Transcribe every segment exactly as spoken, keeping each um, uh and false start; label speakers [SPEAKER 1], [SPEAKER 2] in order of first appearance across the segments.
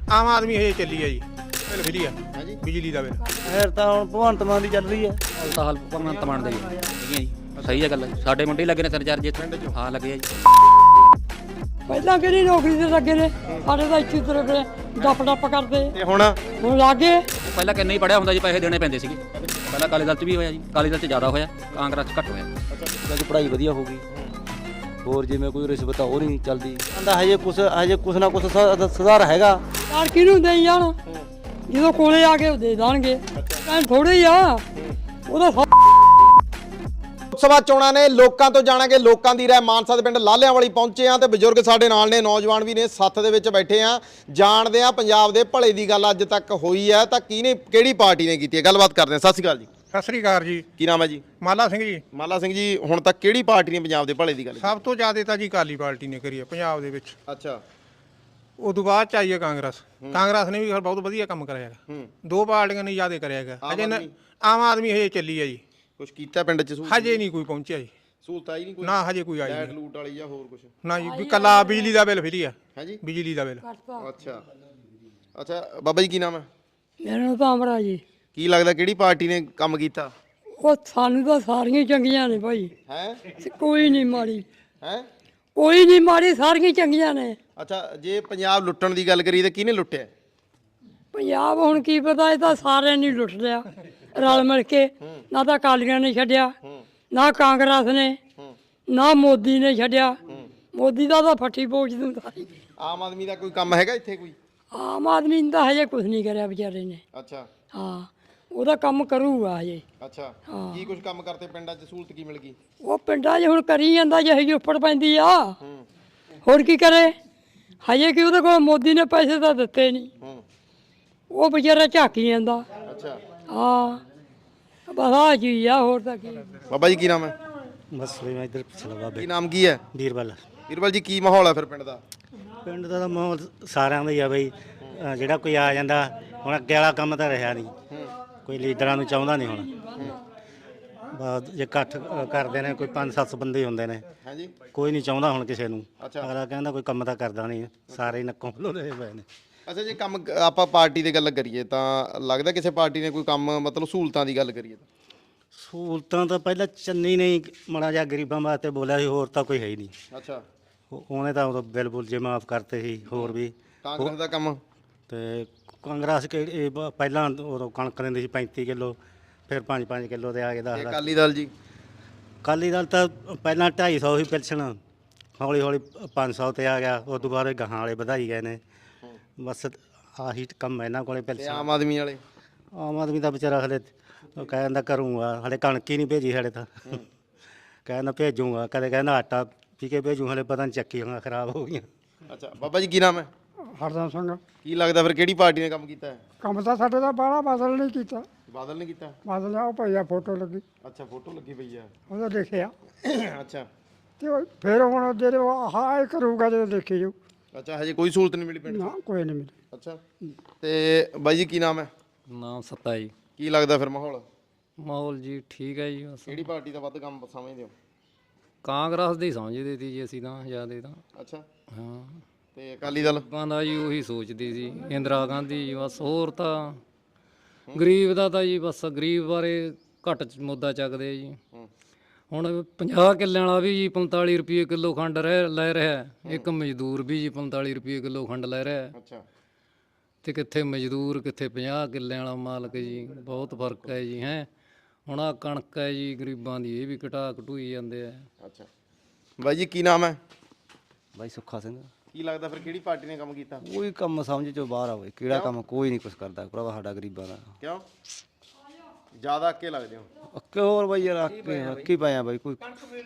[SPEAKER 1] ਆਮ ਆਦਮੀ ਹਜੇ ਚੱਲੀ ਆ ਜੀ, ਬਿੱਲ ਫਰੀ ਆ
[SPEAKER 2] ਹਾਂਜੀ
[SPEAKER 1] ਬਿਜਲੀ ਦਾ ਬਿੱਲ।
[SPEAKER 3] ਫਿਰ ਤਾਂ ਹੁਣ ਭਗਵੰਤ ਮਾਨ ਦੀ ਚੱਲ ਰਹੀ ਹੈ।
[SPEAKER 4] ਹਾਲ ਤਾਂ ਹਾਲ ਭਗਵੰਤ ਮਾਨ ਦਾ ਹੀ ਹੈ ਜੀ। ਸਹੀ ਹੈ ਗੱਲ, ਸਾਡੇ ਮੁੰਡੇ ਲੱਗੇ ਨੇ ਤਿੰਨ ਚਾਰ ਜੇ ਪਿੰਡ ਚ। ਹਾਂ ਲੱਗੇ ਆ ਜੀ।
[SPEAKER 5] ਪਹਿਲਾਂ ਕਿਹੜੀ ਨੌਕਰੀ ਤੇ ਲੱਗੇ ਨੇ, ਸਾਡੇ ਤਾਂ ਇੱਥੇ ਤੁਰੇ ਫਿਰੇ ਡੱਪ ਡੱਪ ਕਰਦੇ,
[SPEAKER 2] ਤੇ ਹੁਣ
[SPEAKER 5] ਹੁਣ ਲੱਗੇ।
[SPEAKER 4] ਪਹਿਲਾਂ ਕਿੰਨੇ ਹੀ ਪੜਿਆ ਹੁੰਦਾ ਜੀ, ਪੈਸੇ ਦੇਣੇ ਪੈਂਦੇ ਸੀਗੇ। ਪਹਿਲਾਂ ਅਕਾਲੀ ਦਲ 'ਚ ਵੀ ਹੋਇਆ ਜੀ, ਅਕਾਲੀ ਦਲ 'ਚ ਜ਼ਿਆਦਾ ਹੋਇਆ, ਕਾਂਗਰਸ 'ਚ ਘੱਟ ਹੋਇਆ।
[SPEAKER 3] ਅੱਜ ਪੜ੍ਹਾਈ ਵਧੀਆ ਹੋ ਗਈ, ਹੋਰ ਜਿਵੇਂ ਕੋਈ ਰਿਸ਼ਵਤ ਆ ਉਹ ਨਹੀਂ ਚੱਲਦੀ। ਕਹਿੰਦਾ ਹਜੇ ਕੁਛ ਹਜੇ ਕੁਛ ਨਾ ਕੁਛ ਸ- ਸੁਧਾਰ ਹੈਗਾ।
[SPEAKER 5] ਯਾਰ ਕਿਹਨੂੰ ਦੇਈ ਜਾਣ, ਜਦੋਂ ਕੋਲੇ ਆ ਕੇ ਉਹ ਦੇ ਦੇਣਗੇ। ਕਹਿਣ ਥੋੜੇ ਹੀ ਆ ਉਹਦਾ ਸਭ।
[SPEAKER 2] ਲੋਕ ਸਭਾ ਚੋਣਾਂ ਨੇ, ਲੋਕਾਂ ਤੋਂ ਜਾਣਾਂਗੇ ਲੋਕਾਂ ਦੀ ਰਾਏ। ਮਾਨਸਾ ਦੇ ਪਿੰਡ ਲਾਲਿਆਂ ਵਾਲੀ ਪਹੁੰਚੇ ਆ ਤੇ ਬਜ਼ੁਰਗ ਸਾਡੇ ਨਾਲ ਨੇ, ਨੌਜਵਾਨ ਵੀ ਨੇ, ਸੱਥ ਦੇ ਵਿੱਚ ਬੈਠੇ ਆ। ਜਾਣਦੇ ਆ ਪੰਜਾਬ ਦੇ ਭਲੇ ਦੀ ਗੱਲ ਅੱਜ ਤੱਕ ਹੋਈ ਹੈ ਤਾਂ ਕਿਹਨੇ ਕਿਹੜੀ ਪਾਰਟੀ ਨੇ ਕੀਤੀ ਹੈ, ਗੱਲਬਾਤ ਕਰਦੇ ਆ। ਸਤਿ ਸ਼੍ਰੀ ਅਕਾਲ ਜੀ।
[SPEAKER 1] ਸਤਿ ਸ੍ਰੀ ਅਕਾਲ ਜੀ।
[SPEAKER 2] ਕੀ ਨਾਮ ਹੈ ਜੀ?
[SPEAKER 1] ਮਾਲਾ ਸਿੰਘ ਜੀ।
[SPEAKER 2] ਮਾਲਾ ਸਿੰਘ ਜੀ, ਹੁਣ ਤੱਕ ਕਿਹੜੀ ਪਾਰਟੀ ਨੇ ਪੰਜਾਬ ਦੇ ਭਲੇ ਦੀ ਗੱਲ ਕੀਤੀ?
[SPEAKER 1] ਸਭ ਤੋਂ ਜ਼ਿਆਦਾ ਤਾਂ ਜੀ ਅਕਾਲੀ ਪਾਰਟੀ ਨੇ ਕਰੀ ਹੈ ਪੰਜਾਬ ਦੇ ਵਿੱਚ।
[SPEAKER 2] ਅੱਛਾ।
[SPEAKER 1] ਉਦੋਂ ਬਾਅਦ ਚ ਆਈ ਹੈ ਕਾਂਗਰਸ। ਕਾਂਗਰਸ ਨੇ ਵੀ ਬਹੁਤ ਵਧੀਆ ਕੰਮ ਕਰਿਆ ਹੈਗਾ।
[SPEAKER 2] ਹੂੰ।
[SPEAKER 1] ਦੋ ਪਾਰਟੀਆਂ ਨੇ ਜ਼ਿਆਦਾ ਕਰਿਆ ਹੈਗਾ।
[SPEAKER 2] ਆਮ
[SPEAKER 1] ਅਜੇ ਨ-
[SPEAKER 2] ਆਦਮੀ?
[SPEAKER 1] ਆਮ ਆਦਮੀ ਹਜੇ ਚੱਲੀ ਹੈ ਜੀ,
[SPEAKER 2] ਕੁਝ ਕੀਤਾ ਪਿੰਡ 'ਚ? ਸਹੂਲਤ
[SPEAKER 1] ਹਜੇ ਨਹੀਂ ਕੋਈ ਪਹੁੰਚਿਆ ਜੀ।
[SPEAKER 2] ਸਹੂਲਤ ਆਈ ਨਹੀਂ ਕੋਈ?
[SPEAKER 1] ਨਾ ਹਜੇ ਕੋਈ ਆਈ
[SPEAKER 2] ਲਾਈਟ
[SPEAKER 1] ਨਹੀਂ।
[SPEAKER 2] ਲੂਟ ਵਾਲੀ ਜਾਂ ਹੋਰ ਕੁਝ?
[SPEAKER 1] ਨਾ ਜੀ, ਵੀ ਕੱਲਾ ਬਿਜਲੀ ਦਾ ਬਿੱਲ ਫਰੀ ਆ,
[SPEAKER 2] ਹੈ ਜੀ।
[SPEAKER 1] ਬਿਜਲੀ ਦਾ ਬਿੱਲ।
[SPEAKER 2] ਅੱਛਾ ਅੱਛਾ। ਬਾਬਾ ਜੀ ਕੀ ਨਾਮ ਹੈ?
[SPEAKER 5] ਮੇਰਾ ਨਾਮ ਤਾਂ ਅਮਰਾ ਜੀ।
[SPEAKER 2] ਕੀ ਲੱਗਦਾ ਕਿਹੜੀ ਪਾਰਟੀ ਨੇ ਕੰਮ ਕੀਤਾ?
[SPEAKER 5] ਉਹ ਸਾਨੂੰ ਤਾਂ ਸਾਰੀਆਂ ਹੀ ਚੰਗੀਆਂ ਨੇ ਭਾਈ,
[SPEAKER 2] ਹੈ
[SPEAKER 5] ਕੋਈ ਨਹੀਂ ਮਾੜੀ,
[SPEAKER 2] ਹੈ
[SPEAKER 5] ਕੋਈ ਨਹੀਂ ਮਾੜੀ, ਸਾਰੀਆਂ ਹੀ ਚੰਗੀਆਂ ਨੇ।
[SPEAKER 2] ਅੱਛਾ, ਜੇ ਪੰਜਾਬ ਲੁੱਟਣ ਦੀ ਗੱਲ ਕਰੀ ਤਾਂ ਕਿਹਨੇ ਲੁੱਟਿਆ?
[SPEAKER 5] ਪੰਜਾਬ ਹੁਣ ਕੀ ਪਤਾ, ਇਹ ਤਾਂ ਸਾਰਿਆਂ ਨੇ ਲੁੱਟ ਲਿਆ ਰਲ ਮਿਲ ਕੇ। ਨਾ ਤਾਂ ਅਕਾਲੀਆਂ ਨੇ ਛੱਡਿਆ, ਨਾ ਕਾਂਗਰਸ ਨੇ, ਨਾ ਮੋਦੀ ਨੇ ਛੱਡਿਆ। ਮੋਦੀ ਦਾ ਤਾਂ ਫੱਟੀ ਪੋਚ ਦੂੰਦਾ।
[SPEAKER 2] ਆਮ ਆਦਮੀ ਦਾ ਕੋਈ ਕੰਮ ਹੈਗਾ ਇੱਥੇ ਕੋਈ?
[SPEAKER 5] ਆਮ ਆਦਮੀ ਨੇ ਤਾਂ ਹਜੇ ਕੁਝ ਨਹੀਂ ਕਰਿਆ ਵਿਚਾਰੇ ਨੇ।
[SPEAKER 2] ਅੱਛਾ
[SPEAKER 5] ਹਾਂ, ਉਹਦਾ ਕੰਮ ਕਰੂਗਾ ਹਜੇ।
[SPEAKER 2] ਅੱਛਾ। ਕੀ ਕੁਝ ਕੰਮ ਕਰਤੇ ਪਿੰਡਾਂ 'ਚ? ਸਹੂਲਤ ਕੀ ਮਿਲ ਗਈ? ਉਹ
[SPEAKER 5] ਉਹ ਪਿੰਡਾਂ 'ਚ ਹੁਣ ਕਰੀ ਜਾਂਦਾ, ਜਿਹੇ ਜਿਹੀ ਉੱਪਰ ਪੈਂਦੀ ਆ। ਹੋਰ ਕੀ ਕਰੇ ਹਜੇ, ਕਿ ਉਹਦੇ ਕੋਲ ਮੋਦੀ ਨੇ ਪੈਸੇ ਤਾਂ ਦਿੱਤੇ ਨਹੀਂ,
[SPEAKER 2] ਹੂੰ।
[SPEAKER 5] ਉਹ ਵਿਚਾਰਾ ਝਾਕੀ ਜਾਂਦਾ।
[SPEAKER 2] ਅੱਛਾ।
[SPEAKER 5] ਹਾਂ, ਬਸ ਆਹ ਚੀਜ਼ ਆ, ਹੋਰ ਤਾਂ ਕੀ।
[SPEAKER 2] ਬਾਬਾ ਜੀ ਕੀ ਨਾਮ ਹੈ?
[SPEAKER 3] ਬਸ ਮੈਂ ਇੱਧਰ ਪਿਛਲਾ ਬਾਬੇ
[SPEAKER 2] ਕੀ ਨਾਮ ਕੀ ਹੈ?
[SPEAKER 3] ਵੀਰਬਲ।
[SPEAKER 2] ਵੀਰਬਲ ਜੀ, ਕੀ ਮਾਹੌਲ ਹੈ ਫਿਰ ਪਿੰਡ ਦਾ?
[SPEAKER 3] ਪਿੰਡ ਦਾ ਤਾਂ ਮਾਹੌਲ ਸਾਰਿਆਂ ਦਾ ਹੀ ਆ ਬਈ। ਅ, ਜਿਹੜਾ ਕੋਈ ਆ ਜਾਂਦਾ, ਹੁਣ ਅੱਗੇ ਵਾਲਾ ਕੰਮ ਤਾਂ ਰਿਹਾ ਨਹੀਂ, ਕੋਈ ਲੀਡਰਾਂ ਨੂੰ ਚਾਹੁੰਦਾ ਨਹੀਂ ਹੁਣ। ਬਸ ਜੇ ਇਕੱਠ ਅ, ਕਰਦੇ ਨੇ, ਕੋਈ ਪੰਜ ਸੱਤ ਬੰਦੇ ਹੁੰਦੇ ਨੇ,
[SPEAKER 2] ਹਾਂਜੀ।
[SPEAKER 3] ਕੋਈ ਨਹੀਂ ਚਾਹੁੰਦਾ ਹੁਣ ਕਿਸੇ ਨੂੰ।
[SPEAKER 2] ਅੱਛਾ।
[SPEAKER 3] ਅਗਲਾ ਕਹਿੰਦਾ ਕੋਈ ਕੰਮ ਤਾਂ ਕਰਦਾ ਨਹੀਂ, ਸਾਰੇ ਹੀ ਨੱਕੋਂ ਲੋਲੇ ਪਏ ਨੇ।
[SPEAKER 2] ਅੱਛਾ, ਜੇ ਕੰਮ ਕ- ਆਪਾਂ ਪਾਰਟੀ ਦੀ ਗੱਲ ਕਰੀਏ ਤਾਂ ਲੱਗਦਾ ਕਿਸੇ ਪਾਰਟੀ ਨੇ ਕੋਈ ਕੰਮ, ਮਤਲਬ ਸਹੂਲਤਾਂ ਦੀ ਗੱਲ ਕਰੀਏ ਤਾਂ?
[SPEAKER 3] ਸਹੂਲਤਾਂ ਤਾਂ ਪਹਿਲਾਂ ਚੰਨੀ ਨੇ ਮਾੜਾ ਜਿਹਾ ਗਰੀਬਾਂ ਵਾਸਤੇ ਬੋਲਿਆ ਸੀ, ਹੋਰ ਤਾਂ ਕੋਈ ਹੈ ਹੀ ਨਹੀਂ।
[SPEAKER 2] ਅੱਛਾ।
[SPEAKER 3] ਉਹ- ਉਹਨੇ ਤਾਂ ਉਦੋਂ ਬਿੱਲ ਬੁੱਲ ਜੇ ਮਾਫ ਕਰਤੇ ਸੀ, ਹੋਰ ਵੀ।
[SPEAKER 2] ਕਾਂਗਰਸ ਦਾ ਕੰਮ?
[SPEAKER 3] ਤੇ ਕਾਂਗਰਸ ਕਿ ਇਹ ਬ- ਪਹਿਲਾਂ ਉਦੋਂ ਕਣਕ ਦਿੰਦੀ ਸੀ ਪੈਂਤੀ ਕਿਲੋ, ਫਿਰ ਪੰਜ ਪੰਜ ਕਿਲੋ ਤੇ ਆ ਕੇ
[SPEAKER 2] ਤੇ
[SPEAKER 3] ਦਸ ਦਸ।
[SPEAKER 2] ਅਕਾਲੀ ਦਲ ਜੀ?
[SPEAKER 3] ਅਕਾਲੀ ਦਲ ਤਾਂ ਪਹਿਲਾਂ ਢਾਈ ਸੌ ਸੀ ਪੈਨਸ਼ਨ, ਹੌਲੀ ਹੌਲੀ ਪੰਜ ਸੌ ਤੇ ਆ ਗਿਆ। ਉਸ ਤੋਂ ਬਾਅਦ ਗਾਹਾਂ ਵਾਲੇ ਵਧਾਈ ਗਏ ਨੇ। ਬਸ ਆਹੀ ਕੰਮ ਹੈ ਇਹਨਾਂ ਕੋਲੇ
[SPEAKER 2] ਤੇ
[SPEAKER 3] ਪੈਨਸ਼ਨ।
[SPEAKER 2] ਆਮ ਆਦਮੀ ਵਾਲੇ?
[SPEAKER 3] ਆਮ ਆਦਮੀ ਦਾ ਵਿਚਾਰਾ ਹਲੇ ਉਹ ਕਹਿੰਦਾ ਕਰੂੰਗਾ, ਹਲੇ ਕਣਕ ਹੀ ਨਹੀਂ ਭੇਜੀ ਸਾਡੇ ਤਾਂ। ਕਹਿੰਦਾ ਭੇਜੂਗਾ, ਕਦੇ ਕਹਿੰਦਾ ਆਟਾ ਪੀ ਕੇ ਭੇਜੂ, ਹਲੇ ਪਤਾ ਨਹੀਂ ਚੱਕੀਆਂ ਖਰਾਬ ਹੋ ਗਈਆਂ।
[SPEAKER 2] ਅੱਛਾ। ਬਾਬਾ ਜੀ ਕੀ ਨਾਮ ਹੈ?
[SPEAKER 6] ਹਰਦਮ ਸਿੰਘ।
[SPEAKER 2] ਕੀ ਲੱਗਦਾ ਫਿਰ ਕਿਹੜੀ ਪਾਰਟੀ ਨੇ ਕੰਮ ਕੀਤਾ ਹੈ?
[SPEAKER 6] ਕੰਮ ਤਾਂ ਸਾਡੇ ਦਾ ਬਾਹਲਾ ਬਾਦਲ ਨਹੀਂ ਕੀਤਾ।
[SPEAKER 2] ਬਾਦਲ ਨੇ ਕੀਤਾ?
[SPEAKER 6] ਬਾਦਲ ਆ ਉਹ ਪਈ ਆ ਫੋਟੋ ਲੱਗੀ,
[SPEAKER 2] ਅੱਛਾ, ਫੋਟੋ ਲੱਗੀ ਪਈ ਆ।
[SPEAKER 6] ਉਹਦਾ ਦੇਖਿਆ
[SPEAKER 2] ਅੱਛਾ
[SPEAKER 6] ਤੇ ਉਹ ਫਿਰ ਹੁਣ ਜਿਹੜੇ ਹਾਂ ਇਹ ਕਰੂਗਾ ਜਦੋਂ ਦੇਖੀ ਜਾਊ।
[SPEAKER 2] ਅੱਛਾ। ਹਜੇ ਕੋਈ ਸਹੂਲਤ ਨਹੀਂ ਮਿਲੀ ਪਿੰਡ 'ਚ?
[SPEAKER 6] ਨਾ ਕੋਈ ਨਹੀਂ ਮਿਲੀ।
[SPEAKER 2] ਅੱਛਾ। ਤੇ ਬਾਈ ਜੀ ਕੀ ਨਾਮ ਹੈ?
[SPEAKER 4] ਨਾਮ ਸੱਤਾ ਜੀ।
[SPEAKER 2] ਕੀ ਲੱਗਦਾ ਫਿਰ ਮਾਹੌਲ
[SPEAKER 4] ਮਾਹੌਲ ਜੀ ਠੀਕ ਹੈ ਜੀ, ਬਸ
[SPEAKER 2] ਕਿਹੜੀ ਪਾਰਟੀ ਦਾ ਵੱਧ ਕੰਮ ਸਮਝਦੇ ਹੋ?
[SPEAKER 4] ਕਾਂਗਰਸ ਦੀ ਸਮਝਦੇ ਸੀ ਜੀ ਅਸੀਂ ਤਾਂ ਜ਼ਿਆਦਾ ਤਾਂ।
[SPEAKER 2] ਅੱਛਾ।
[SPEAKER 4] ਹਾਂ,
[SPEAKER 2] ਤੇ ਅਕਾਲੀ ਦਲ?
[SPEAKER 4] ਕਹਿੰਦਾ ਜੀ ਉਹੀ ਸੋਚਦੀ ਸੀ ਇੰਦਰਾ ਗਾਂਧੀ ਜੀ, ਬਸ। ਹੋਰ ਤਾਂ ਗਰੀਬ ਦਾ ਤਾਂ ਜੀ ਬਸ ਗਰੀਬ ਬਾਰੇ ਘੱਟ ਚ ਮੁੱਦਾ ਚੱਕਦੇ ਆ ਜੀ। ਹੁਣ ਪੰਜਾਹ ਕਿੱਲਿਆਂ ਵਾਲਾ ਵੀ ਜੀ ਪੰਤਾਲੀ ਰੁਪਏ ਕਿਲੋ ਖੰਡ ਰਹਿ ਲੈ ਰਿਹਾ, ਇੱਕ ਮਜ਼ਦੂਰ ਵੀ ਜੀ ਪੰਤਾਲੀ ਰੁਪਏ ਕਿਲੋ ਖੰਡ ਲੈ ਰਿਹਾ।
[SPEAKER 2] ਅੱਛਾ।
[SPEAKER 4] ਤੇ ਕਿੱਥੇ ਮਜ਼ਦੂਰ, ਕਿੱਥੇ ਪੰਜਾਹ ਕਿੱਲਿਆਂ ਵਾਲਾ ਮਾਲਕ ਜੀ, ਬਹੁਤ ਫਰਕ ਹੈ ਜੀ। ਹੈ ਹੁਣ ਆਹ ਕਣਕ ਹੈ ਜੀ ਗਰੀਬਾਂ ਦੀ, ਇਹ ਵੀ ਘਟਾ ਘਟੂਈ ਜਾਂਦੇ ਆ।
[SPEAKER 2] ਅੱਛਾ। ਬਾਈ ਜੀ ਕੀ ਨਾਮ ਹੈ?
[SPEAKER 3] ਬਾਈ ਸੁੱਖਾ ਸਿੰਘ।
[SPEAKER 2] ਕੀ ਲੱਗਦਾ ਫਿਰ ਕਿਹੜੀ ਪਾਰਟੀ ਨੇ ਕੰਮ ਕੀਤਾ?
[SPEAKER 3] ਕੋਈ ਕੰਮ ਸਮਝ ਚੋਂ ਬਾਹਰ ਆ ਬਈ, ਕਿਹੜਾ ਕੰਮ ਕੋਈ ਨਹੀਂ ਕੁਛ ਕਰਦਾ ਭਰਾਵਾ ਸਾਡਾ ਗਰੀਬਾਂ ਦਾ।
[SPEAKER 2] ਕਿਉਂ ਜ਼ਿਆਦਾ ਅੱਕੇ ਲੱਗਦੇ ਹੋ?
[SPEAKER 3] ਅੱਕੇ ਹੋਰ ਬਈ ਯਾਰ, ਅੱਕੇ ਅੱਕੀ ਪਏ ਆ ਬਈ। ਕੋਈ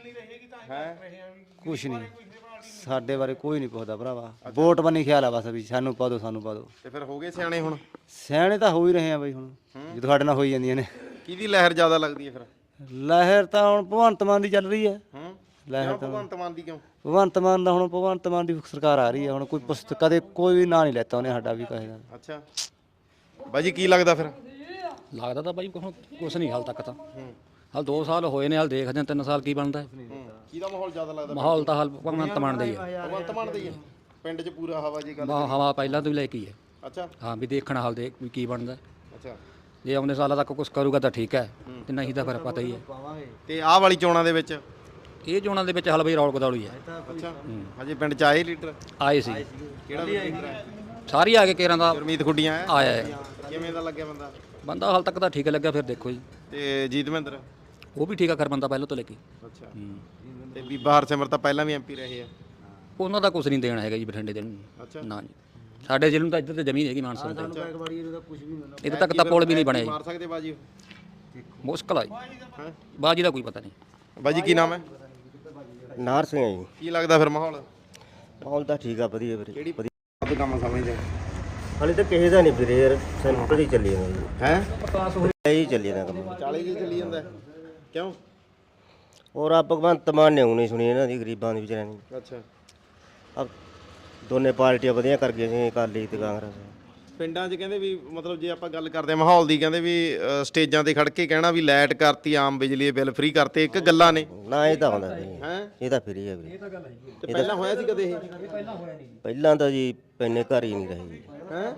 [SPEAKER 2] ਹੈ
[SPEAKER 3] ਕੁਛ ਨਹੀਂ ਸਾਡੇ ਬਾਰੇ, ਕੋਈ ਨਹੀਂ ਪੁੱਛਦਾ ਭਰਾਵਾ। ਵੋਟ ਬਣੀ ਖਿਆਲ ਆ ਬਸ ਵੀ ਸਾਨੂੰ ਪਾ ਦਿਓ, ਸਾਨੂੰ ਪਾ ਦਿਓ।
[SPEAKER 2] ਤੇ ਫਿਰ ਹੋ ਗਏ ਸਿਆਣੇ ਹੁਣ?
[SPEAKER 3] ਸਿਆਣੇ ਤਾਂ ਹੋ ਹੀ ਰਹੇ ਆ ਬਈ ਹੁਣ, ਜਦੋਂ ਸਾਡੇ ਨਾਲ ਹੋਈ ਜਾਂਦੀਆਂ ਨੇ।
[SPEAKER 2] ਕਿਹਦੀ ਲਹਿਰ ਜ਼ਿਆਦਾ ਲੱਗਦੀ ਹੈ ਫਿਰ?
[SPEAKER 3] ਲਹਿਰ ਤਾਂ ਹੁਣ ਭਗਵੰਤ ਮਾਨ ਦੀ ਚੱਲ ਰਹੀ ਹੈ।
[SPEAKER 2] ਹੂੰ।
[SPEAKER 3] ਲਹਿਰ
[SPEAKER 2] ਕਿਉਂ ਭਗਵੰਤ ਮਾਨ ਦੀ ਕਿਉਂ?
[SPEAKER 3] ਭਗਵੰਤ ਮਾਨ ਦਾ ਹੁਣ ਭਗਵੰਤ ਮਾਨ ਦੀ ਸਰਕਾਰ ਆ ਰਹੀ ਹੈ ਹੁਣ, ਕੋਈ ਪੁਸਤ ਕਦੇ ਕੋਈ ਵੀ ਨਾਂ ਨਹੀਂ ਲੈਤਾ ਉਹਨੇ ਸਾਡਾ ਵੀ ਕਹੇ ਦਾ।
[SPEAKER 2] ਅੱਛਾ। ਬਾਈ ਜੀ ਕੀ ਲੱਗਦਾ ਫਿਰ?
[SPEAKER 4] ਲੱਗਦਾ ਤਾਂ ਬਾਈ ਹੁਣ ਕੁਛ ਨਹੀਂ ਹਾਲ ਤੱਕ ਤਾਂ। ਹਾਲ ਦੋ ਸਾਲ ਹੋਏ ਨੇ, ਹਾਲ ਦੇਖਦੇ ਹਾਂ ਤਿੰਨ ਸਾਲ ਕੀ ਬਣਦਾ।
[SPEAKER 2] ਕਿਹਦਾ ਮਾਹੌਲ ਜ਼ਿਆਦਾ ਲੱਗਦਾ?
[SPEAKER 4] ਮਾਹੌਲ ਤਾਂ ਹਾਲ ਭਗਵੰਤ ਮਾਨ ਦਾ ਹੀ ਹੈ।
[SPEAKER 2] ਭਗਵੰਤ ਮਾਨ ਦਾ ਹੀ ਹੈ। ਪਿੰਡ 'ਚ ਪੂਰਾ ਹਵਾ ਜੀ ਗੱਲ?
[SPEAKER 4] ਹਵਾ ਪਹਿਲਾਂ ਤੋਂ ਹੀ ਲੈ ਕੇ ਹੀ ਹੈ।
[SPEAKER 2] ਅੱਛਾ
[SPEAKER 7] ਹਾਂ ਵੀ ਦੇਖਣ ਹਾਲ ਦੇ ਵੀ ਕੀ ਬਣਦਾ।
[SPEAKER 2] ਅੱਛਾ
[SPEAKER 7] ਜੇ ਆਉਂਦੇ ਸਾਲਾਂ ਤੱਕ ਕੁਝ ਕਰੂਗਾ ਤਾਂ ਠੀਕ ਹੈ, ਤੇ ਨਹੀਂ ਤਾਂ ਫਿਰ ਪਤਾ ਹੀ ਹੈ।
[SPEAKER 2] ਤੇ ਆਹ ਵਾਲੀ ਚੋਣਾਂ ਦੇ ਵਿੱਚ
[SPEAKER 7] ਇਹ ਚੋਣਾਂ ਦੇ ਵਿੱਚ ਹਲ ਬਈ ਰੌਲ ਕਦੌਲੀ ਹੈ।
[SPEAKER 2] ਅੱਛਾ ਹਜੇ ਪਿੰਡ ਚ ਆਏ ਲੀਡਰ
[SPEAKER 7] ਆਏ ਸੀ
[SPEAKER 2] ਕਿਹੜਾ ਲੀਡਰ ਹੈ?
[SPEAKER 7] ਸਾਰੀ ਆ ਕੇ ਕੇਰਾਂ ਦਾ
[SPEAKER 2] ਗੁਰਮੀਤ ਖੁੱਡੀਆਂ ਆਇਆ
[SPEAKER 7] ਆਇਆ ਹੈ।
[SPEAKER 2] ਕਿਵੇਂ ਦਾ ਲੱਗਿਆ ਬੰਦਾ?
[SPEAKER 7] ਬੰਦਾ ਹਾਲ ਤੱਕ ਤਾਂ ਠੀਕ ਲੱਗਿਆ, ਫਿਰ ਦੇਖੋ ਜੀ।
[SPEAKER 2] ਤੇ ਜੀਤ ਮਹਿੰਦਰ
[SPEAKER 7] ਉਹ ਵੀ ਠੀਕ ਆ ਕਰ ਬੰਦਾ ਪਹਿਲਾਂ ਤੋਂ ਲੈ ਕੇ।
[SPEAKER 2] ਅੱਛਾ ਤੇ ਬੀਬਾ ਹਰਸਿਮਰਤ ਤਾਂ ਪਹਿਲਾਂ ਵੀ ਐਮਪੀ ਰਹੇ ਆ।
[SPEAKER 7] ਉਹਨਾਂ ਦਾ ਕੁਝ ਨਹੀਂ ਦੇਣਾ ਹੈਗਾ ਜੀ ਬਠਿੰਡੇ ਦੇ ਨੂੰ।
[SPEAKER 2] ਅੱਛਾ
[SPEAKER 7] ਨਾ ਜੀ ਸਾਡੇ ਜ਼ਿਲ੍ਹੇ ਨੂੰ ਤਾਂ ਇੱਧਰ ਤੇ ਜ਼ਮੀਨ ਹੈਗੀ ਮਾਨਸਾ ਤੇ, ਇੱਧਰ ਤੱਕ ਤਾਂ ਪੁਲ ਵੀ ਨਹੀਂ ਬਣਿਆ
[SPEAKER 2] ਮਾਰ ਸਕਦੇ ਬਾਜੀ
[SPEAKER 7] ਜੀ। ਮੁਸ਼ਕਲ ਆ ਜੀ, ਬਾਜੀ ਦਾ ਕੋਈ ਪਤਾ ਨਹੀਂ।
[SPEAKER 2] ਬਾਜੀ ਕੀ ਨਾਮ ਹੈ?
[SPEAKER 8] ਨਾਰ ਸਿੰਘ ਹੈ ਜੀ।
[SPEAKER 2] ਕੀ ਲੱਗਦਾ ਫਿਰ ਮਾਹੌਲ?
[SPEAKER 8] ਮਾਹੌਲ ਤਾਂ ਠੀਕ ਆ, ਵਧੀਆ ਵੀਰੇ।
[SPEAKER 2] ਕਿਹੜੀ ਵਧੀਆ ਕੰਮ ਸਮਝਦੇ
[SPEAKER 8] ਹਾਲੇ ਤਾਂ ਕਿਸੇ ਦਾ ਨਹੀਂ ਵੀਰੇ ਯਾਰ, ਸਿੰਪਲ ਹੀ ਚੱਲੀ ਜਾਂਦਾ ਜੀ।
[SPEAKER 2] ਹੈ
[SPEAKER 8] ਇਹੀ ਚੱਲੀ ਜਾਂਦਾ ਕੰਮ।
[SPEAKER 2] ਚਾਲੀ ਜੀ ਚੱਲੀ ਜਾਂਦਾ ਕਿਉਂ?
[SPEAKER 8] ਔਰ ਆ ਭਗਵੰਤ ਮਾਨ ਨੇ ਹੁਣੇ ਸੁਣੀ ਇਹਨਾਂ ਦੀ ਗਰੀਬਾਂ ਦੀ ਵਿਚਾਰਿਆਂ ਦੀ।
[SPEAKER 2] ਅੱਛਾ
[SPEAKER 8] ਆ ਦੋਨੇ ਪਾਰਟੀਆਂ ਵਧੀਆ ਕਰ ਗਈਆਂ ਸੀ, ਅਕਾਲੀ ਤੇ ਕਾਂਗਰਸ।
[SPEAKER 2] ਪਿੰਡਾਂ 'ਚ ਕਹਿੰਦੇ ਵੀ ਮਤਲਬ ਜੇ ਆਪਾਂ ਗੱਲ ਕਰਦੇ ਆ ਮਾਹੌਲ ਦੀ, ਕਹਿੰਦੇ ਵੀ ਅ, ਸਟੇਜਾਂ ਤੇ ਖੜ ਕੇ ਕਹਿਣਾ ਵੀ ਲਾਈਟ ਕਰਤੀ, ਆਮ ਬਿਜਲੀ ਦੇ ਬਿੱਲ ਫ੍ਰੀ ਕਰਤੇ, ਇੱਕ ਗੱਲਾਂ ਨੇ।
[SPEAKER 8] ਨਾ ਇਹ ਤਾਂ ਹੁੰਦਾ ਵੀਰੇ,
[SPEAKER 2] ਹੈ
[SPEAKER 8] ਇਹ ਤਾਂ ਫਰੀ ਹੈ ਵੀਰੇ।
[SPEAKER 2] ਤੇ ਪਹਿਲਾਂ ਹੋਇਆ ਸੀ ਕਦੇ ਇਹ?
[SPEAKER 8] ਪਹਿਲਾਂ ਤਾਂ ਜੀ ਪੈਨੇ ਘਰ ਹੀ ਨਹੀਂ ਰਹੇ ਜੀ।
[SPEAKER 2] ਹੈ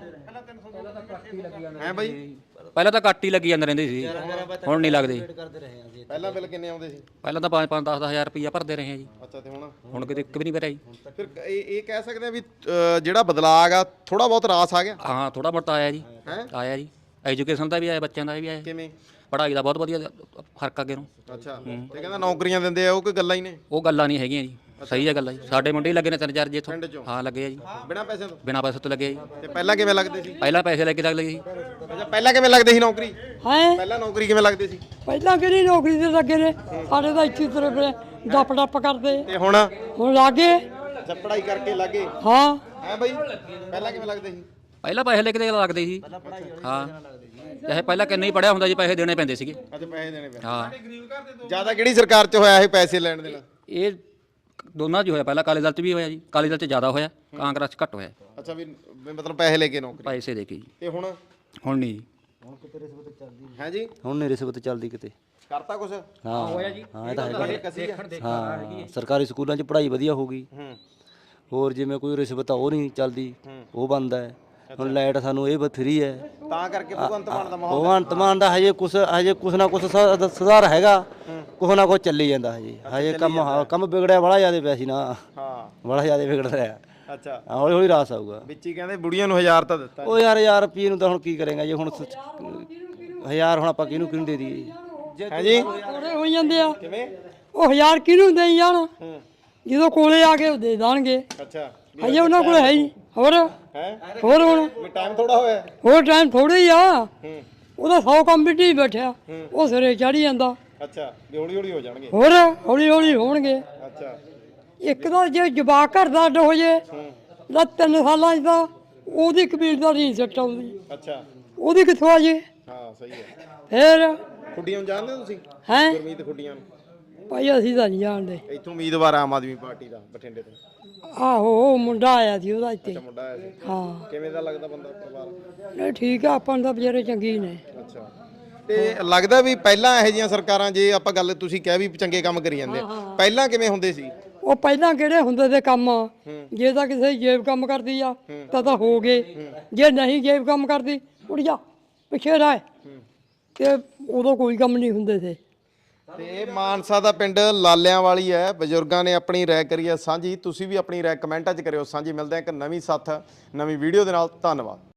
[SPEAKER 2] ਹੈ ਬਾਈ
[SPEAKER 7] ਪਹਿਲਾਂ ਤਾਂ ਕੱਟ ਹੀ ਲੱਗੀ ਜਾਂਦੇ ਰਹਿੰਦੇ ਸੀ, ਹੁਣ ਨਹੀਂ ਲੱਗਦੇ।
[SPEAKER 2] ਪਹਿਲਾਂ ਬਿੱਲ ਕਿੰਨੇ ਆਉਂਦੇ ਸੀ?
[SPEAKER 7] ਪਹਿਲਾਂ ਤਾਂ ਪੰਜ ਪੰਜ ਦਸ ਦਸ ਹਜ਼ਾਰ ਰੁਪਈਆ ਭਰਦੇ ਰਹੇ ਆ ਜੀ।
[SPEAKER 2] ਅੱਛਾ ਤੇ ਹੁਣ?
[SPEAKER 7] ਹੁਣ ਕਿਤੇ ਇੱਕ ਵੀ ਨਹੀਂ ਭਰਿਆ ਜੀ।
[SPEAKER 2] ਫਿਰ ਇਹ ਇਹ ਕਹਿ ਸਕਦੇ ਆ ਵੀ ਅ, ਜਿਹੜਾ ਬਦਲਾਅ ਆ ਥੋੜਾ ਬਹੁਤ ਰਾਸ ਆ ਗਿਆ।
[SPEAKER 7] ਹਾਂ ਥੋੜਾ ਬਹੁਤ ਆਇਆ ਜੀ,
[SPEAKER 2] ਹੈਂ?
[SPEAKER 7] ਆਇਆ ਜੀ। ਐਜੂਕੇਸ਼ਨ ਦਾ ਵੀ ਆਇਆ, ਬੱਚਿਆਂ ਦਾ ਵੀ ਆਇਆ,
[SPEAKER 2] ਕਿਵੇਂ?
[SPEAKER 7] ਪੜ੍ਹਾਈ ਦਾ ਬਹੁਤ ਵਧੀਆ ਫਰਕ ਅੱਗੇ ਨੂੰ।
[SPEAKER 2] ਅੱਛਾ ਤੇ ਕਹਿੰਦਾ ਨੌਕਰੀਆਂ ਦਿੰਦੇ ਆ, ਉਹ ਕੋਈ ਗੱਲਾਂ ਹੀ ਨੇ?
[SPEAKER 7] ਉਹ ਗੱਲਾਂ ਨਹੀਂ ਹੈਗੀਆਂ ਜੀ, ਸਹੀ ਹੈ ਗੱਲਾਂ ਜੀ। ਸਾਡੇ ਮੁੰਡੇ ਹੀ ਲੱਗੇ ਨੇ ਤਿੰਨ ਚਾਰ ਜੀ ਇੱਥੋਂ।
[SPEAKER 2] ਪਿੰਡ 'ਚੋਂ?
[SPEAKER 7] ਹਾਂ ਲੱਗੇ ਆ ਜੀ,
[SPEAKER 2] ਬਿਨਾਂ ਪੈਸੇ ਤੋਂ?
[SPEAKER 7] ਬਿਨਾਂ ਪੈਸੇ ਤੋਂ ਲੱਗੇ ਆ ਜੀ।
[SPEAKER 2] ਤੇ ਪਹਿਲਾਂ ਕਿਵੇਂ ਲੱਗਦੇ ਸੀ?
[SPEAKER 7] ਪਹਿਲਾਂ ਪੈਸੇ ਲੈ ਕੇ ਲੱਗ ਲਏ ਜੀ।
[SPEAKER 2] ਅੱਛਾ ਪਹਿਲਾਂ ਕਿਵੇਂ ਲੱਗਦੇ ਸੀ ਨੌਕਰੀ?
[SPEAKER 5] ਹੈ
[SPEAKER 2] ਪਹਿਲਾਂ ਨੌਕਰੀ ਕਿਵੇਂ ਲੱਗਦੇ ਸੀ?
[SPEAKER 5] ਪਹਿਲਾਂ ਕਿਹੜੀ ਨੌਕਰੀ ਤੇ ਲੱਗੇ ਨੇ, ਸਾਡੇ ਤਾਂ ਇੱਥੇ ਤੁਰੇ ਫਿਰੇ ਡੱਪ ਡੱਪ ਕਰਦੇ।
[SPEAKER 2] ਤੇ ਹੁਣ?
[SPEAKER 5] ਹੁਣ ਲੱਗੇ
[SPEAKER 2] ਅੱਛਾ ਪੜ੍ਹਾਈ ਕਰਕੇ ਲੱਗੇ।
[SPEAKER 5] ਹਾਂ।
[SPEAKER 2] ਹੈ ਬਾਈ ਪਹਿਲਾਂ ਕਿਵੇਂ ਲੱਗਦੇ ਸੀ?
[SPEAKER 7] ਪਹਿਲਾਂ ਪੈਸੇ ਲੈ ਕੇ ਲੱਗਦੇ ਸੀ। ਹਾਂ ਚਾਹੇ ਪਹਿਲਾਂ ਕਿੰਨੇ ਹੀ ਪੜਿਆ ਹੁੰਦਾ ਜੀ, ਪੈਸੇ ਦੇਣੇ ਪੈਂਦੇ ਸੀਗੇ।
[SPEAKER 2] ਅੱਛਾ ਪੈਸੇ ਦੇਣੇ ਪੈਂਦੇ।
[SPEAKER 7] ਹਾਂ
[SPEAKER 2] ਜਿਆਦਾ ਕਿਹੜੀ ਸਰਕਾਰ 'ਚ ਹੋਇਆ ਇਹ ਪੈਸੇ ਲੈਣ ਦੇਣਾ?
[SPEAKER 7] ਇਹ ਦੋਨਾਂ 'ਚ ਹੀ ਹੋਇਆ, ਪਹਿਲਾਂ ਅਕਾਲੀ ਦਲ 'ਚ ਵੀ ਹੋਇਆ ਜੀ, ਅਕਾਲੀ ਦਲ 'ਚ ਜ਼ਿਆਦਾ ਹੋਇਆ, ਕਾਂਗਰਸ 'ਚ ਘੱਟ ਹੋਇਆ।
[SPEAKER 2] ਅੱਛਾ ਵੀ ਵੀ ਮਤਲਬ ਪੈਸੇ ਲੈ ਕੇ ਨੌਕਰੀ?
[SPEAKER 7] ਪੈਸੇ ਦੇ ਕੇ ਜੀ।
[SPEAKER 2] ਤੇ ਹੁਣ?
[SPEAKER 7] ਹੁਣ ਨਹੀਂ ਜੀ।
[SPEAKER 2] ਹੈ ਜੀ
[SPEAKER 8] ਹੁਣ ਨਹੀਂ ਰਿਸ਼ਵਤ ਚੱਲਦੀ ਕਿਤੇ।
[SPEAKER 2] ਕਰਤਾ ਕੁਛ?
[SPEAKER 8] ਹਾਂ ਹੋਇਆ ਜੀ। ਹਾਂ ਇਹ ਤਾਂ ਹੈਗਾ।
[SPEAKER 2] ਕਸੀ ਆ?
[SPEAKER 8] ਹਾਂ ਸਰਕਾਰੀ ਸਕੂਲਾਂ 'ਚ ਪੜ੍ਹਾਈ ਵਧੀਆ ਹੋ ਗਈ।
[SPEAKER 2] ਹੂੰ
[SPEAKER 8] ਹੋਰ ਜਿਵੇਂ ਕੋਈ ਰਿਸ਼ਵਤ ਆ ਉਹ ਨਹੀਂ ਚੱਲਦੀ, ਉਹ ਬੰਦ ਹੈ। ਹੁਣ ਲਾਈਟ ਸਾਨੂੰ ਇਹ ਫਰੀ ਹੈ।
[SPEAKER 2] ਤਾਂ ਕਰਕੇ ਭਗਵੰਤ ਮਾਨ ਦਾ ਮਾਹੌਲ?
[SPEAKER 8] ਭਗਵੰਤ ਮਾਨ ਦਾ ਹਜੇ ਕੁਛ ਹਜੇ ਕੁਛ ਨਾ ਕੁਛ ਸ- ਸੁਧਾਰ ਹੈਗਾ, ਕੁਛ ਨਾ ਕੁਛ ਚੱਲੀ ਜਾਂਦਾ ਹਜੇ। ਹਜੇ ਕੰਮ ਹਾਂ ਕੰਮ ਵਿਗੜਿਆ ਬੜਾ ਜ਼ਿਆਦਾ ਪਿਆ ਸੀ ਨਾ,
[SPEAKER 2] ਹਾਂ
[SPEAKER 8] ਬੜਾ ਜ਼ਿਆਦਾ ਵਿਗੜ ਰਿਹਾ।
[SPEAKER 2] ਅੱਛਾ
[SPEAKER 8] ਹੌਲੀ ਹੌਲੀ ਰਾਸ ਆਊਗਾ।
[SPEAKER 2] ਵਿੱਚ ਹੀ ਕਹਿੰਦੇ ਬੁੜੀਆਂ ਨੂੰ ਹਜ਼ਾਰ ਤਾਂ ਦਿੱਤਾ।
[SPEAKER 8] ਉਹ ਯਾਰ ਹਜ਼ਾਰ ਰੁਪਏ ਨੂੰ ਤਾਂ ਹੁਣ ਕੀ ਕਰੇਗਾ ਜੀ। ਹੁਣ ਸ- ਹਜ਼ਾਰ ਹੁਣ ਆਪਾਂ ਕਿਹਨੂੰ ਕਿਹਨੂੰ ਦੇ ਦਈਏ?
[SPEAKER 2] ਹੈ ਜੀ
[SPEAKER 5] ਥੋੜੇ ਹੋਈ ਜਾਂਦੇ ਆ।
[SPEAKER 2] ਕਿਵੇਂ?
[SPEAKER 5] ਉਹ ਹਜ਼ਾਰ ਕਿਹਨੂੰ ਦੇਈ ਜਾਣ,
[SPEAKER 2] ਹੂੰ
[SPEAKER 5] ਜਦੋਂ ਕੋਲੇ ਆ ਕੇ ਉਹ ਦੇ ਦੇਣਗੇ।
[SPEAKER 2] ਅੱਛਾ
[SPEAKER 5] ਹਜੇ ਉਹਨਾਂ ਕੋਲ ਹੈ ਹੀ ਨਹੀਂ। ਹੋਰ
[SPEAKER 2] ਹੈ
[SPEAKER 5] ਹੋਰ ਹੁਣ
[SPEAKER 2] ਵੀ ਟਾਈਮ ਥੋੜਾ ਹੋਇਆ।
[SPEAKER 5] ਹੋਰ ਟਾਈਮ ਥੋੜਾ ਹੀ ਆ।
[SPEAKER 2] ਹੂੰ
[SPEAKER 5] ਉਹਦਾ ਸੌ ਕੰਮ ਬਿੱਟੀ ਬੈਠਿਆ, ਉਹ ਸਿਰੇ ਚੜੀ ਜਾਂਦਾ।
[SPEAKER 2] ਅੱਛਾ ਵੀ ਹੌਲੀ ਹੌਲੀ ਹੋ ਜਾਣਗੇ।
[SPEAKER 5] ਹੋਰ ਹੌਲੀ ਹੌਲੀ ਹੋਣਗੇ।
[SPEAKER 2] ਅੱਛਾ
[SPEAKER 5] ਇੱਕ ਤਾਂ ਜੇ ਜਵਾਕ ਘਰ ਦਾ ਅੱਡ ਹੋ ਜੇ ਤਾਂ ਤਿੰਨ ਸਾਲਾਂ 'ਚ ਤਾਂ ਉਹਦੀ ਕਬੀਲਦਾਰੀ ਨਹੀਂ ਸੱਟ ਆਉਂਦੀ,
[SPEAKER 2] ਅੱਛਾ
[SPEAKER 5] ਉਹਦੀ ਕਿੱਥੋਂ ਆ ਜੇ?
[SPEAKER 2] ਹਾਂ ਸਹੀ ਹੈ।
[SPEAKER 5] ਫੇਰ
[SPEAKER 2] ਖੁੱਡੀਆਂ ਨੂੰ ਜਾਣਦੇ ਹੋ ਤੁਸੀਂ?
[SPEAKER 5] ਹੈ
[SPEAKER 2] ਗੁਰਮੀਤ ਖੁੱਡੀਆਂ ਨੂੰ?
[SPEAKER 5] ਭਾਈ ਅਸੀਂ ਤਾਂ ਨਹੀਂ ਜਾਣਦੇ।
[SPEAKER 2] ਇੱਥੋਂ ਉਮੀਦਵਾਰ ਆਮ ਆਦਮੀ ਪਾਰਟੀ ਦਾ ਬਠਿੰਡੇ ਤੋਂ।
[SPEAKER 5] ਆਹੋ ਉਹ ਮੁੰਡਾ ਆਇਆ ਸੀ ਉਹਦਾ ਇੱਥੇ।
[SPEAKER 2] ਅੱਛਾ ਮੁੰਡਾ ਆਇਆ ਸੀ।
[SPEAKER 5] ਹਾਂ
[SPEAKER 2] ਕਿਵੇਂ ਦਾ ਲੱਗਦਾ ਬੰਦਾ ਪਰਿਵਾਰ?
[SPEAKER 5] ਨਹੀਂ ਠੀਕ ਆ, ਆਪਾਂ ਨੂੰ ਤਾਂ ਵਿਚਾਰੇ ਚੰਗੇ ਹੀ ਨੇ।
[SPEAKER 2] ਅੱਛਾ ਤੇ ਲੱਗਦਾ ਵੀ ਪਹਿਲਾਂ ਇਹੋ ਜਿਹੀਆਂ ਸਰਕਾਰਾਂ, ਜੇ ਆਪਾਂ ਗੱਲ ਤੁਸੀਂ ਕਹਿ ਵੀ ਚੰਗੇ ਕੰਮ ਕਰੀ ਜਾਂਦੇ ਆ, ਪਹਿਲਾਂ ਕਿਵੇਂ ਹੁੰਦੇ ਸੀ?
[SPEAKER 5] ਉਹ ਪਹਿਲਾਂ ਕਿਹੜੇ ਹੁੰਦੇ ਤੇ ਕੰਮ, ਜੇ ਤਾਂ ਕਿਸੇ ਦੀ ਜੇਬ ਕੰਮ ਕਰਦੀ ਆ ਤਾਂ ਤਾਂ ਹੋ ਗਏ, ਜੇ ਨਹੀਂ ਜੇਬ ਕੰਮ ਕਰਦੀ ਉੱਡ ਜਾ ਪਿੱਛੇ ਰਹਿ, ਤੇ ਉਦੋਂ ਕੋਈ ਕੰਮ ਨਹੀਂ ਹੁੰਦੇ ਸੀ।
[SPEAKER 2] ਤੇ ਇਹ ਮਾਨਸਾ ਦਾ ਪਿੰਡ ਲਾਲਿਆਂ ਵਾਲੀ ਹੈ। ਬਜ਼ੁਰਗਾਂ ਨੇ ਆਪਣੀ ਰਾਏ ਕਰੀ ਹੈ ਸਾਂਝੀ। ਤੁਸੀਂ ਵੀ ਆਪਣੀ ਰਾਏ ਕਮੈਂਟਾਂ 'ਚ ਕਰਿਓ ਸਾਂਝੀ। ਮਿਲਦੇ ਹਾਂ ਇੱਕ ਨਵੀਂ ਸਾਥ ਨਵੀਂ ਵੀਡੀਓ ਦੇ ਨਾਲ। ਧੰਨਵਾਦ।